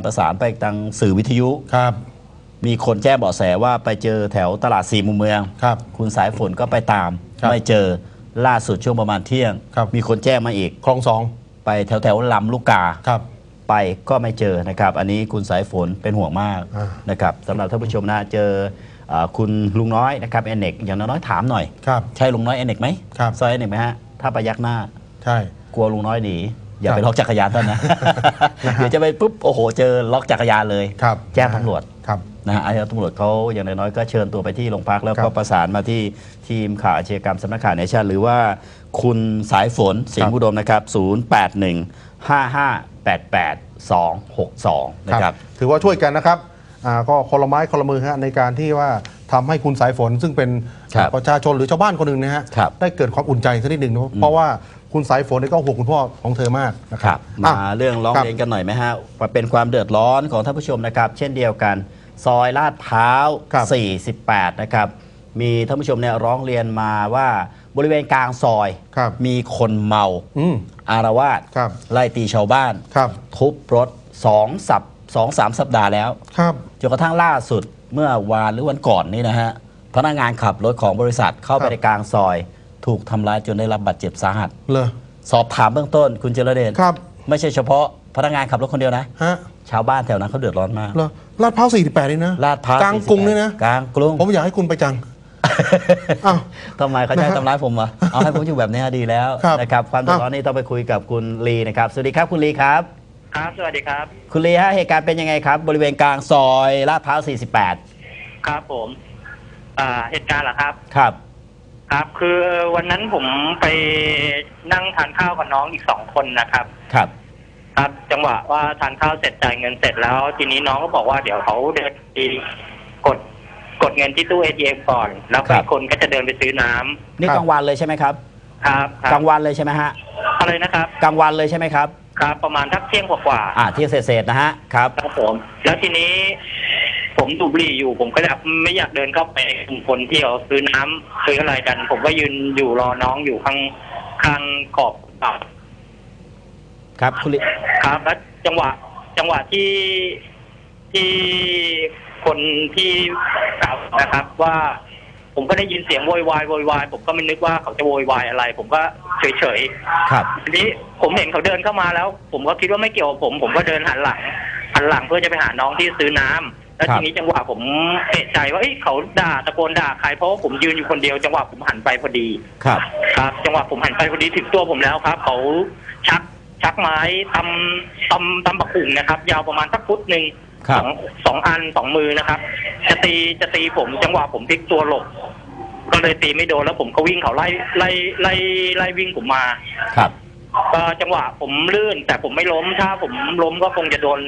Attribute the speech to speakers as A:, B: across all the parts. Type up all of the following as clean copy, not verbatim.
A: ประสานไปทางสื่อวิทยุ
B: ครับ
A: มีคนแจ้งเบาะแสว่าไปเจอแถวตลาดสี่มุมเมือง
B: ครับ
A: คุณสายฝนก็ไปตามไม่เจอล่าสุดช่วงประมาณเที่ยงมีคนแจ้งมาอีก
B: คลองสอง
A: ไปแถวลำลูกกา
B: ครับ
A: ไปก็ไม่เจอนะครับอันนี้คุณสายฝนเป็นห่วงมากนะครับสำหรับท่านผู้ชมนะเจอคุณลุงน้อยนะครับเอเน็กอย่างน้อยถามหน่อยใช่ลุงน้อยเอเน็กไหมซอยเอเน็กไหมฮะถ้าไปยักหน้า
B: ใช่
A: กลัวลุงน้อยหนีอย่าไปล็อกจักรยานท่านนะเดี๋ยวจะไปปุ๊บโอ้โหเจอล็อกจักรยานเลยแจ้งตำรวจนะฮะตำรวจเขาอย่างน้อยก็เชิญตัวไปที่โรงพักแล้วก็ประสานมาที่ทีมข่าวอาชญากรรมสำนักข่าวเนชั่นหรือว่าคุณสายฝนสิงห์อุดมนะครับ0815588262นะครับ
B: ถือว่าช่วยกันนะครับก็คนละไม้คนละมือฮะในการที่ว่าทำให้คุณสายฝนซึ่งเป็นประชาชนหรือชาวบ้านคนหนึ่งนะฮะได้เกิดความอุ่นใจสักนิดหนึ่งเพราะว่าคุณสายฝนก็ห่วงคุณพ่อของเธอมากนะครับ
A: มาเรื่องร้องเรียนกันหน่อยไหมฮะเป็นความเดือดร้อนของท่านผู้ชมนะครับเช่นเดียวกันซอยลาดพร้าว48นะครับมีท่านผู้ชมเนี่ยร้องเรียนมาว่าบริเวณกลางซอยมีคนเมาอารวาสไล่ตีชาวบ้านทุบรถ2-3 สัปดาห์แล้วจนกระทั่งล่าสุดเมื่อวานหรือวันก่อนนี่นะฮะพนักงานขับรถของบริษัทเข้าไปในกลางซอยถูกทำร้ายจนได้รับบาดเจ็บสาหัสสอบถามเบื้องต้นคุณเจริญเดชไม่ใช่เฉพาะพนักงานขับรถคนเดียวนะชาวบ้านแถวนั้นเขาเดือดร้อนมาก
B: ลาดพร้าว48นี่นะ
A: ลาดพร้าว
B: กลางกรุงนี่นะ
A: กลางกรุง
B: ผมอยากให้คุณไปจัง
A: ทำไมเขาจะทำร้ายผมวะเอาให้ผมอยู่แบบนี้ดีแล้วนะครับความเดือดร้อนนี้ต้องไปคุยกับคุณลีนะครับสวัสดีครับคุณลีครับ
C: ครับสวัสดีครับ
A: คุณลีฮะเหตุการณ์เป็นยังไงครับบริเวณกลางซอยลาดพร้าว48
C: ครับผมเหตุการณ์เหรอครับ
A: ครับ
C: ครับคือวันนั้นผมไปนั่งทานข้าวกับน้องอีก2 คนนะครับ
A: ครับ
C: ครับจังหวะว่าทานข้าวเสร็จจ่ายเงินเสร็จแล้วทีนี้น้องก็บอกว่าเดี๋ยวเขาเดินไปกดเงินที่ตู้ ATM ก่อนแล้วคนก็จะเดินไปซื้อน้ำ
A: นี่กลางวันเลยใช่ไหมครับ
C: ครับ
A: กลางวันเลยใช่ไหมฮะ
C: อะไรนะครับ
A: กลางวันเลยใช่ไหมครับ
C: ครับประมาณทักเที่ยงกว่า
A: เที่ยงเศษนะฮะครับ
C: ผมแล้วทีนี้ผมดูบุหรี่อยู่ผมก็ไม่อยากเดินเข้าไปกลุ่มคนที่เขาซื้อน้ำซื้ออะไรกันผมก็ยืนอยู่รอน้องอยู่ข้างขอบ
A: ครับคุณลิ
C: ครับแล้วจังหวะที่คนที่กล่าวนะครับว่าผมก็ได้ยินเสียงโวยวายผมก็ไม่นึกว่าเขาจะโวยวายอะไรผมก็เฉย
A: ครับ
C: ทีนี้ผมเห็นเขาเดินเข้ามาแล้วผมก็คิดว่าไม่เกี่ยวกับผมก็เดินหันหลังเพื่อจะไปหาน้องที่ซื้อน้ำแล้วทีนี้จังหวะผมเอะใจว่าเขาตะโกนด่าใครเพราะว่าผมยืนอยู่คนเดียวจังหวะผมหันไปพอดี
A: ครับ
C: จังหวะผมหันไปพอดีถึงตัวผมแล้วครับเขาชักไม้ตำบักหุ่งนะครับยาวประมาณสักฟุตหนึ่งสองอัน2 มือนะครับจะตีผมจังหวะผมพลิกตัวหลบก็เลยตีไม่โดนแล้วผมก็วิ่งเขาไล่วิ่งผมมา
A: ครับ
C: จังหวะผมลื่นแต่ผมไม่ล้มถ้าผมล้มก็คงจะโดน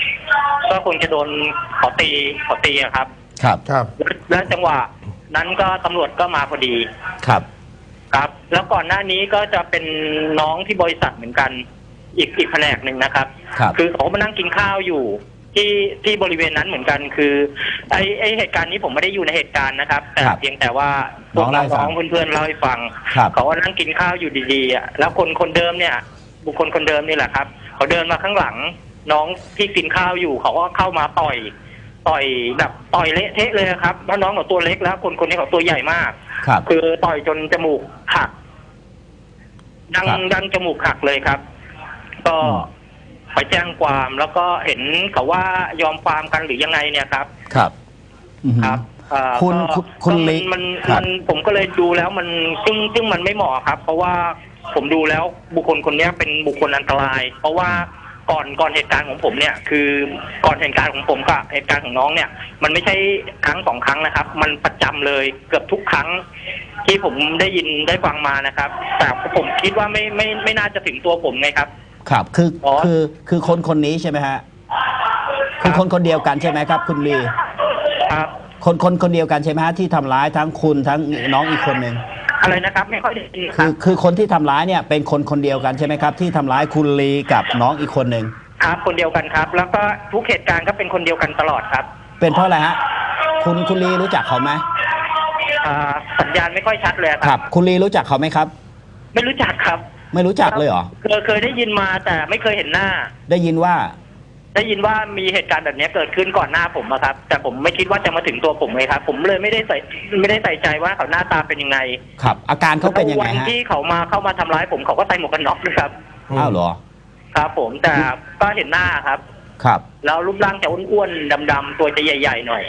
C: ขอตีครับแล้วจังหวะนั้นก็ตำรวจก็มาพอดี
A: ครับ
C: แล้วก่อนหน้านี้ก็จะเป็นน้องที่บริษัทเหมือนกันอีกแผนกหนึ่งนะครับคือเขามานั่งกินข้าวอยู่ที่บริเวณนั้นเหมือนกันคือไอเหตุการณ์นี้ผมไม่ได้อยู่ในเหตุการณ์นะครับแต่เพียงแต่ว่าพวกน้องเพื่อนๆเล่าให้ฟังเขาว่านั่งกินข้าวอยู่ดีๆแล้วคนเดิมเนี่ยบุคคลคนเดิมนี่แหละครับเขาเดินมาข้างหลังน้องที่กินข้าวอยู่เขาก็เข้ามาต่อยแบบต่อยเละเทะเลยครับแล้วน้องเขาตัวเล็กแล้วคนนี้เขาตัวใหญ่มากคือต่อยจนจมูกหักดังจมูกหักเลยครับก็ไปแจ้งความแล้วก็เห็นเขาว่ายอมความกันหรือยังไงเนี่ยครับ
A: คุณลิ
C: มันผมก็เลยดูแล้วมันซึ่งมันไม่เหมาะครับเพราะว่าผมดูแล้วบุคคลคนนี้เป็นบุคคลอันตรายเพราะว่าก่อนเหตุการณ์ของผมเนี่ยคือก่อนเหตุการณ์ของผมกับเหตุการณ์ของน้องเนี่ยมันไม่ใช่ครั้ง2 ครั้งนะครับมันประจำเลยเกือบทุกครั้งที่ผมได้ยินได้ฟังมานะครับแต่ผมคิดว่าไม่น่าจะถึงตัวผมไงครับ
A: ครับคือคนนี้ใช่ไหมฮะคือคนเดียวกันใช่ไหมครับคุณลี
C: ครับ
A: คนเดียวกันใช่ไหมฮะที่ทำร้ายทั้งคุณทั้งน้องอีกคนหนึ่ง
C: อะไรนะครับไม่ค่อยได้ยินครับ
A: คือคนที่ทำร้ายเนี่ยเป็นคนเดียวกันใช่ไหมครับที่ทำร้ายคุณลีกับน้องอีกคนหนึ่ง
C: ครับคนเดียวกันครับแล้วก็ทุกเหตุการณ์ก็เป็นคนเดียวกันตลอดครับ
A: เป็นเพราะอะไรฮะคุณลีรู้จักเขาไหม
C: สัญญาณไม่ค่อยชัดเลย
A: ครับคุณลีรู้จักเขาไหมครับ
C: ไม่รู้จักครับ
A: ไม่รู้จักเลยเหรอ
C: เคยได้ยินมาแต่ไม่เคยเห็นหน้า
A: ได้ยินว่า
C: ได้ยินว่ามีเหตุการณ์แบบนี้เกิดขึ้นก่อนหน้าผมอะครับแต่ผมไม่คิดว่าจะมาถึงตัวผมเลยครับผมเลยไม่ได้ใส่ใจว่าเขาหน้าตาเป็นยังไง
A: ครับอาการเขาเป็นยังไง
C: วัน
A: ฮะ
C: ที่เขาเข้ามาทำร้ายผมเขาก็ใส่หมวกกันน็อกด้วยครับ
A: อ้าวเหรอ
C: ครับผมแต่ก็เห็นหน้าครับ
A: ครับ
C: แล้วรูปร่างจะอ้วนๆดำๆตัวจะใหญ่ๆหน่อย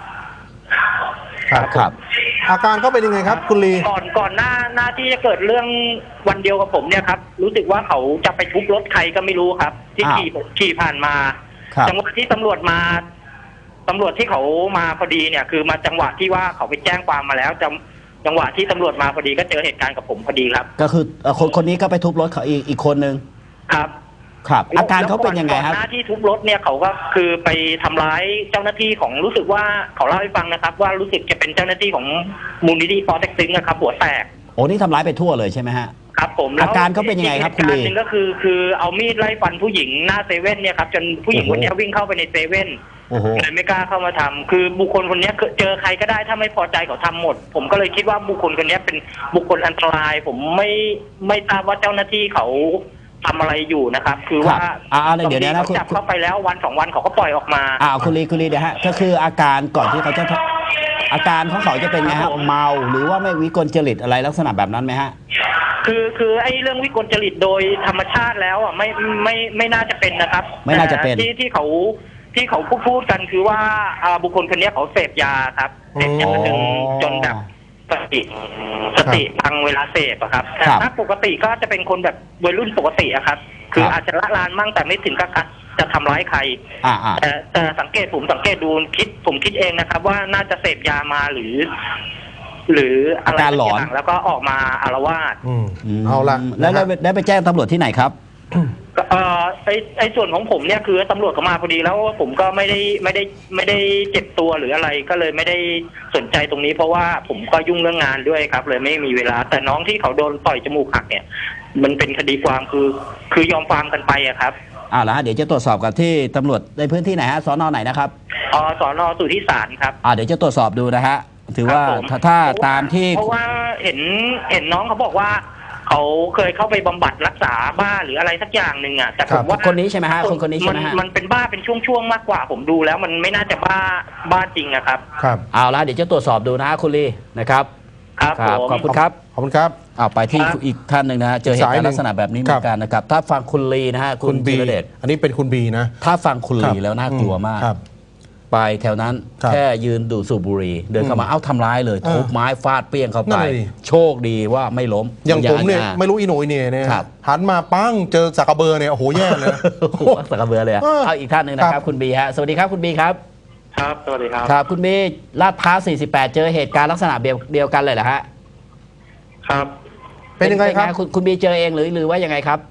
A: ครับ
B: อาการเขาเป็นยังไงครับคุณลี
C: ก่อนหน้าที่จะเกิดเรื่องวันเดียวกับผมเนี่ยครับรู้สึกว่าเขาจะไปทุบรถใครก็ไม่รู้ครับที่ขี่ผ่านมาจังหวะที่ตำรวจที่เขามาพอดีเนี่ยคือมาจังหวะที่ว่าเขาไปแจ้งความมาแล้วจังหวะที่ตำรวจมาพอดีก็เจอเหตุการณ์กับผมพอดีครับ
A: ก็คือคนนี้ก็ไปทุบรถเขาอีกคนนึง
C: ครับ
A: ครับอาการเขาเป็นยังไงครับ
C: หน้าที่ทุบรถเนี่ยเขาก็คือไปทำร้ายเจ้าหน้าที่ของรู้สึกว่าเขาเล่าให้ฟังนะครับว่ารู้สึกจะเป็นเจ้าหน้าที่ของมูลนิธิปอเต็กตึงนะครับหัวแตก
A: โอ้นี่ทำร้ายไปทั่วเลยใช่ไหมฮะ
C: ครับผม
A: อาการเขาเป็นยังไงครับคุณลี
C: หนึ่งก็คือเอามีดไล่ฟันผู้หญิงหน้าเซเว่นเนี่ยครับจนผู้หญิงคนนี้วิ่งเข้าไปในเซเว่นเลยไม่กล้าเข้ามาทำคือบุคคลคนนี้เจอใครก็ได้ถ้าไม่พอใจเขาทำหมดผมก็เลยคิดว่าบุคคลคนนี้เป็นบุคคลอันตรายผมไม่ทราบว่าเจ้าหน้าที่เขาทำอะไรอยู่นะครับคือว่า
A: เดี๋ยวนะ
C: จับเข้าไปแล้ววัน2 วันเขาก็ปล่อยออกมา
A: คุณลีเดี๋ยวฮะก็คืออาการก่อนที่เขาจะอาการของเขาจะเป็นไงฮะเมาหรือว่าไม่วิกลจริตอะไรลักษณะแบบนั้นไหมฮะ
C: คือไอ้เรื่องวิกลจริตโดยธรรมชาติแล้วไม่น่าจะเป็นนะครับ
A: ไม่น่าจะเป็น
C: ที่เขาพูดกันคือว่าบุคคลคนนี้เขาเสพยาครับเสพยาจนแบบสติพังเวลาเสพอะครับแต่ถ้าปกติก็จะเป็นคนแบบวัยรุ่นปกติอะครับคืออาจจะละลานมั่งแต่ไม่ถึงกับจะทำร้ายใครแต่ผมสังเกตดูผมคิดเองนะครับว่าน่าจะเสพยามาหรืออะไรต่างแล้วก็ออกมาอาละวาด
B: เอาละ
A: แล้วได้ไปแจ้งตำรวจที่ไหนครับ
C: ไอ้ส่วนของผมเนี่ยคือตำรวจเขามาพอดีแล้วผมก็ไม่ได้เจ็บตัวหรืออะไรก็เลยไม่ได้สนใจตรงนี้เพราะว่าผมก็ยุ่งเรื่องงานด้วยครับเลยไม่มีเวลาแต่น้องที่เขาโดนต่อยจมูกหักเนี่ยมันเป็นคดีความคือยอมความกันไปอะครับ
A: แล้วเดี๋ยวจะตรวจสอบกับที่ตำรวจในพื้นที่ไหนฮะสน.ไหนนะครับ
C: สน.สุทธิสารครับ
A: เดี๋ยวจะตรวจสอบดูนะฮะถือว่าถ้าตามที่
C: เพราะว่าเห็นน้องเขาบอกว่าเขาเคยเข้าไปบำบัดรักษาบ้าหรืออะไรสักอย่างหนึ่งอ่ะแต่ผมว่า
A: คนนี้ใช่ไหมฮะคนนี้ใช่ไหมฮะ
C: มันเป็นบ้าเป็นช่วงๆมากกว่าผมดูแล้วมันไม่น่าจะบ้าจริงอะครับ
B: ครับ
A: เอาละเดี๋ยวจะตรวจสอบดูนะคุณลีนะครับ
C: ครับ
A: ขอบคุณครับ
B: ขอบคุณครับ
A: ไปที่อีกท่านหนึ่งนะฮะเจอเหตุการณ์ลักษณะแบบนี้เหมือนกันนะครับถ้าฟังคุณลีนะฮะ
B: คุณบีอันนี้เป็นคุณบีนะ
A: ถ้าฟังคุณลีแล้วน่ากลัวมากไปแถวนั้นแค่ยืนดูสูบบุหรี่เดินเข้ามาทำร้ายเลยทุบไม้ฟาดเปี้ยงเข้าไปโชคดีว่าไม่ล้ม
B: อย่างผมเนี่ยไม่รู้อีโนอีเน่เนี่ยหันมาปั้งเจอสักกระเบอร์เนี่ยโอ้โหแย่เลย
A: สักกระเบอร์เลยเอาอีกท่านหนึ่งนะครับคุณบีฮะสวัสดีครับคุณบีครับ
C: ครับสวัสดีครับ
A: ครับคุณบีลาดพร้าว48เจอเหตุการณ์ลักษณะเดียวกันเลยเหรอฮะ
C: ครับ
B: เป็นยังไงครับ
A: คุณบีเจอเองหรือว่ายังไงครับ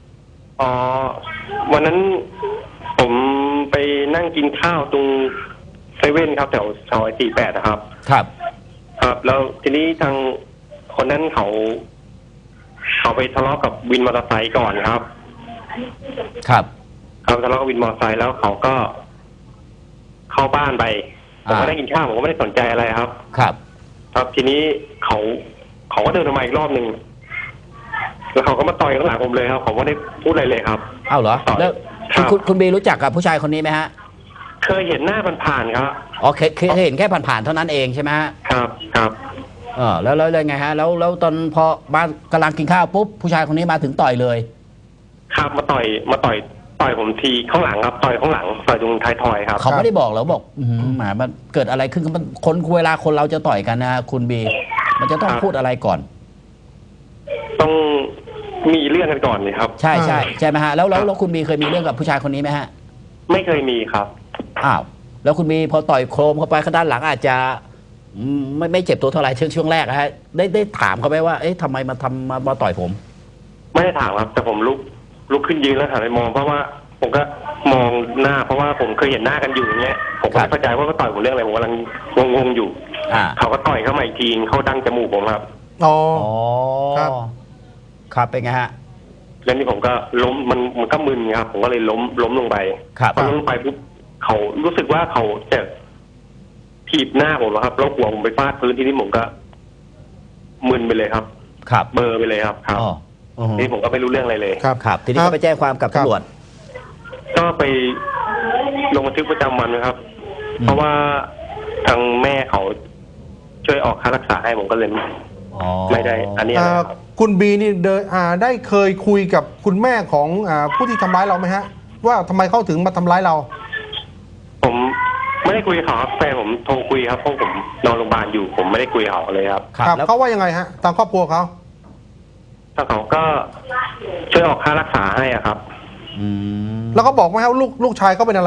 C: วันนั้นผมไปนั่งกินข้าวตรงเซเว่นครับแถวซอย48นะครับ
A: ครับ
C: แล้วทีนี้ทางคนนั้นเขาไปทะเลาะกับวินมอเตอร์ไซค์ก่อนครับเขาทะเลาะกับวินมอเตอร์ไซค์แล้วเขาก็เข้าบ้านไปผมก็ได้กินข้าวผมก็ไม่ได้สนใจอะไรครับครับทีนี้เขาก็เดินมาอีกรอบหนึ่งแล้วเขาก็มาต่อยข้างหลังผมเลยครับผมไม่ได้พูดอะไรเลยครับ
A: เหรอแล้วคุณบีรู้จักกับผู้ชายคนนี้ไหมฮะ
C: เคยเห็นหน้าผ่านๆครับ
A: เคยเห็นแค่ผ่านๆเท่านั้นเองใช่ไหมฮะ
C: ครับ
A: แล้วไงฮะแล้วตอนพอบ้านกำลังกินข้าวปุ๊บผู้ชายคนนี้มาถึงต่อยเลย
C: ครับมาต่อยผมทีข้างหลังครับต่อยข้างหลังต่อยตรงท้ายทอยครับ
A: เขาไม่ได้บอกแล้วบอกหมามันเกิดอะไรขึ้นมันเวลาคนเราจะต่อยกันนะคุณบีมันจะต้องพูดอะไรก่อน
C: ต้องมีเรื่องกันก่อนเลยครับ
A: ใช่ไหมฮะแล้วคุณบีเคยมีเรื่องกับผู้ชายคนนี้ไหมฮะ
C: ไม่เคยมีครับ
A: แล้วคุณบีพอต่อยโครมเข้าไปข้างด้านหลังอาจจะไม่เจ็บตัวเท่าไหร่ช่วงแรกนะฮะได้ถามเขาไหมว่าทำไมมาต่อยผม
C: ไม่ได้ถามครับแต่ผมลุกขึ้นยืนแล้วหันไปมองเพราะว่าผมก็มองหน้าเพราะว่าผมเคยเห็นหน้ากันอยู่อย่างเงี้ยผมก็ไม่เข้าใจว่าเขาต่อยผมเรื่องอะไรผมกำลังงงอยู่เขาก็ต่อยเข้ามาอีกทีเขาดั้งจมูกผมครับ
A: ครับเป็นไงฮะ
C: แล้วนี่ผมก็ล้มมันก็มึนครับผมก็เลยล้มลงไปพอล้มลงไปปุ๊บเขารู้สึกว่าเขาจะถีบหน้าผมครับแล้วหัวผมไปฟาดพื้นที่นี่ผมก็มึนไปเลยครับเบอร์ไปเลยครับนี่ผมก็ไม่รู้เรื่องอะไรเลย
A: ครับทีนี้ก็ไปแจ้งความกับตำรวจ
C: ก็ไป
D: ลงบันทึกประจำวันนะครับ เพราะว่าทางแม่เขาช่วยออกค่ารักษาให้ผมก็เลยไม่ได้อันนี้นะครับ
B: คุณบีนี่ได้เคยคุยกับคุณแม่ของผู้ที่ทำร้ายเราไหมฮะว่าทำไมเขาถึงมาทำร้ายเรา
D: ผมไม่ได้คุยกับเขาครับแฟนผมโทรคุยครับเพราะผมนอนโรงพยาบาลอยู่ผมไม่ได้คุยกับเขาเลยครับ
B: ครับแล้วเขาว่ายังไงฮะตามครอบครัวเขา
D: ทางเขาก็ช่วยออกค่ารักษาให้ครับ
B: แล้วก็บอกไหมครับลูกชายเขาเป็นอะไร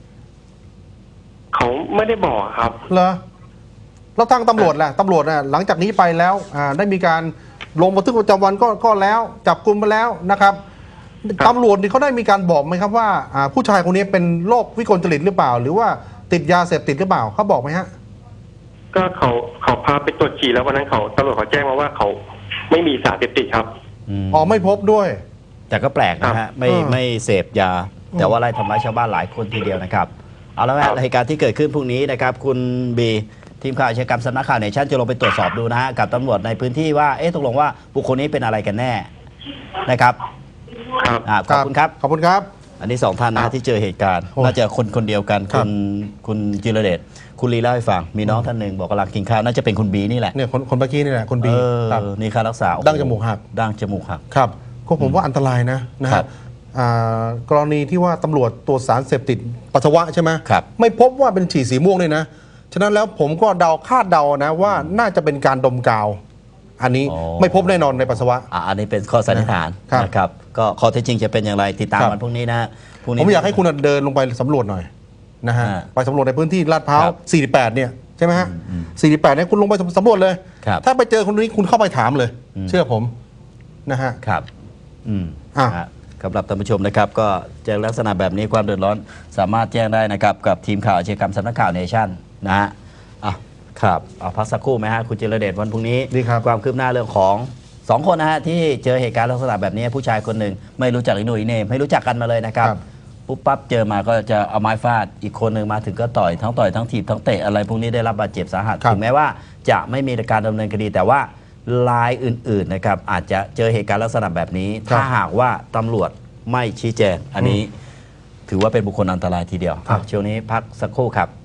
D: เขาไม่ได้บอกครับ
B: เหรอแล้วทางตำรวจล่ะตำรวจน่ะหลังจากนี้ไปแล้วได้มีการลงบันทึกประจำวันก็แล้วจับกุมไปแล้วนะครับตำรวจนี่เขาได้มีการบอกไหมครับว่าผู้ชายคนนี้เป็นโรควิกลจริตหรือเปล่าหรือว่าติดยาเสพติดหรือเปล่าเขาบอกไหมฮะ
D: ก็เขาพาไปตรวจฉี่แล้ววันนั้นตำรวจเขาแจ้งมาว่าเขาไม่มีสารเสพติดครับ
B: อ๋อไม่พบด้วย
A: แต่ก็แปลกนะฮะไม่เสพยาแต่ว่าไล่ทำร้ายชาวบ้านหลายคนทีเดียวนะครับเอาแล้วเหตุการณ์ที่เกิดขึ้นพรุ่งนี้นะครับคุณบีทีมข่าวอาชญากรรมสำนักข่าวเนชั่นจะลงไปตรวจสอบดูนะฮะกับตำรวจในพื้นที่ว่าตกลงว่าบุคคลนี้เป็นอะไรกันแน่นะครับขอบคุณครับ
B: ขอบคุณครับ
A: อันนี้2ท่านนะที่เจอเหตุการณ์น่าจะคนเดียวกันคุณจิรเดชคุณลีเล่าให้ฟังมีน้องท่านหนึ่งบอกกำลังกินข้าวน่าจะเป็นคุณบีนี่แหละ
B: เนี่ยคนเมื่อกี้นี่แหละคุณบี
A: นี่ค่ารักษา
B: ดั้งจมูกหักครับก็ผมว่าอันตรายนะครับกรณีที่ว่าตำรวจตรวจสารเสพติดปัสสาวะใช่ไหมไม่พบว่าเป็นฉี่สีม่วงเลยนะฉะนั้นแล้วผมก็คาดเดานะว่าน่าจะเป็นการดมกาวอันนี้ไม่พบแน่นอนในปัสสาวะ
A: อันนี้เป็นข้อสันนิษฐานนะครับก็ข้อเท็จจริงจะเป็นอย่างไรติดตามวันพรุ่งนี้นะ
B: ผมอยากให้คุณเดินลงไปสำรวจหน่อยนะฮะไปสำรวจในพื้นที่ลาดพร้าว48เนี่ยใช่ไหมฮะ48เนี่ยคุณลงไปสำรวจเลยถ้าไปเจอคนนี้คุณเข้าไปถามเลยเชื่อผมนะฮะ
A: ครับสำหรับท่านผู้ชมนะครับก็เจอลักษณะแบบนี้ความเดือดร้อนสามารถแจ้งได้นะครับกับทีมข่าวอาชญากรรมสำนักข่าวเนชั่นนะฮะครับพักสักครู่ไหมฮะคุณจิรเดชวันพรุ่งนี้ความคืบหน้าเรื่องของ2คนนะฮะที่เจอเหตุการณ์ลักษณะแบบนี้ผู้ชายคนหนึ่งไม่รู้จักอีโนอีเนมไม่รู้จักกันมาเลยนะครับปุ๊บปั๊บเจอมาก็จะเอาไม้ฟาดอีกคนหนึ่งมาถึงก็ต่อยทั้งถีบทั้งเตะอะไรพวกนี้ได้รับบาดเจ็บสาหัสถึงแม้ว่าจะไม่มีการดำเนินคดีแต่ว่ารายอื่นๆนะครับอาจจะเจอเหตุการณ์ลักษณะแบบนี้ถ้าหากว่าตำรวจไม่ชี้แจงอันนี้ถือว่าเป็นบุคคลอันตรายทีเดียวช่วงนี้พักสักครู่ครับ